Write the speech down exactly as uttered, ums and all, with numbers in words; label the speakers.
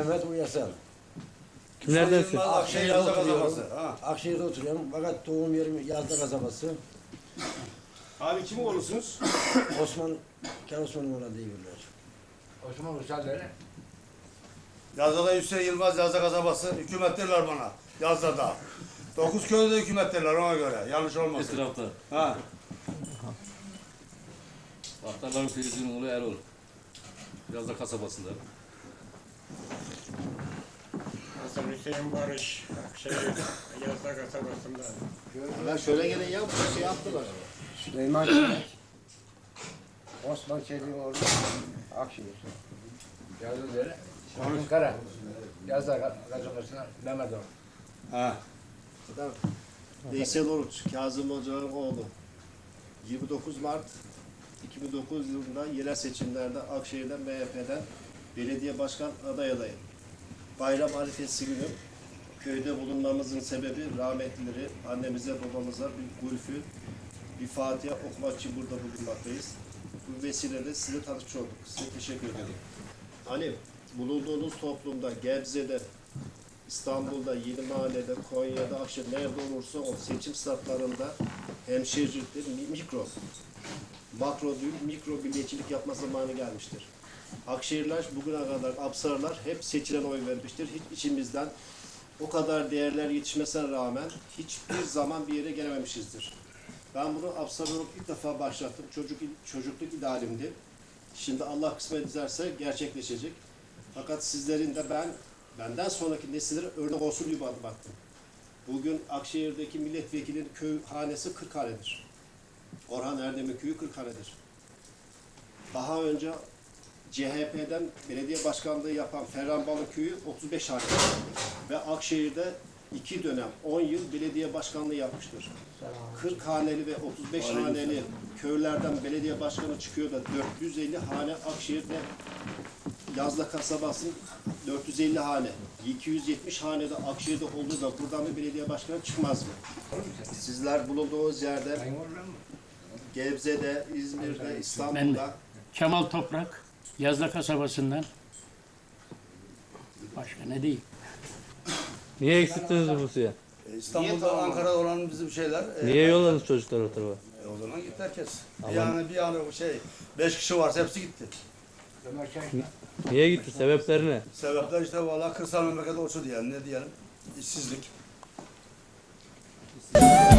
Speaker 1: Mehmet Uyasal.
Speaker 2: Kimlerdensin?
Speaker 1: Akşehir'de Yazda kasabası. Ha, Akşehir'de oturuyorum. Fakat doğum yerim Yazda kasabası.
Speaker 3: Abi kim olursunuz?
Speaker 1: Osman, Ken Osman'ın oğlan diyorlar.
Speaker 4: Osman Uysal öyle.
Speaker 5: Yazda Hüseyin Yılmaz Yazda kasabası. Hükümet derler bana. Yazda. Dokuz köyde de hükümet derler ona göre. Yanlış olmasın.
Speaker 6: Etrafta.
Speaker 5: Ha.
Speaker 6: Ahtarların Filiz'in oğlu Erol. Biraz da kasabasında.
Speaker 7: Hasan Hüseyin Barış, Akşehir, Yazda kasabasında.
Speaker 4: Ben şöyle gelin ya, bu şey yaptılar.
Speaker 1: Süleyman Çelik. Osman Çelik'in oğlu Akşehir.
Speaker 4: Yazdı öyle. Onun kara. Yazda kasabasına Mehmet o.
Speaker 5: Ha.
Speaker 8: Veysel Oruç, Kazım Hoca'nın oğlu. yirmi dokuz Mart iki bin dokuz yılında yerel seçimlerde Akşehir'den M H P'den belediye başkan aday adayım. Bayram arifesi günü köyde bulunmamızın sebebi rahmetlileri annemize babamıza bir gülfü, bir Fatiha okumak için burada bulunmaktayız. Bu vesileyle size tanışmış olduk. Size teşekkür ederim. Hani bulunduğunuz toplumda, Gebze'de, İstanbul'da, Yenimahalle'de, Konya'da, Akşehir nerede olursa o seçim sırtlarında hemşehrilikte mikro, makro değil, mikro milliyetçilik yapma zamanı gelmiştir. Akşehirler bugüne kadar, Apsarlar hep seçilen oy vermiştir. Hiç içimizden o kadar değerler yetişmesine rağmen hiçbir zaman bir yere gelememişizdir. Ben bunu Apsar olarak ilk defa başlattım. Çocuk, çocukluk idealimdi. Şimdi Allah kısmet ederse gerçekleşecek. Fakat sizlerin de ben benden sonraki nesillere örnek olsun diye adım attım. Bugün Akşehir'deki milletvekilinin köy hanesi kırk hanedir. Orhan Erdem'in köyü kırk hanedir. Daha önce C H P'den belediye başkanlığı yapan Ferhan Balı köyü otuz beş hanedir. Ve Akşehir'de iki dönem on yıl belediye başkanlığı yapmıştır. kırk haneli ve otuz beş haneli köylerden belediye başkanı çıkıyor da dört yüz elli hane Akşehir'de Yazda kasabasının dört yüz elli hane, iki yüz yetmiş hanede Akşehir'de olduğu da buradan bir belediye başkanı çıkmaz mı? Sizler bulunduğunuz yerde, Gebze'de, İzmir'de, İstanbul'da...
Speaker 7: Kemal Toprak, Yazda kasabasından. Başka ne diyeyim?
Speaker 2: Niye eksittiniz nüfusu ya?
Speaker 5: E, İstanbul'da, Ankara'da olan bizim şeyler... e,
Speaker 2: Niye yolladınız çocukları o tarafa?
Speaker 5: E, o zaman gitti herkes. Bir
Speaker 2: Ama-
Speaker 5: yani bir yani şey, beş kişi varsa hepsi gitti.
Speaker 2: Niye gitti? Sebepleri ne?
Speaker 5: Sebepler işte valla kırsal memleket olsun diyelim, ne diyelim, işsizlik.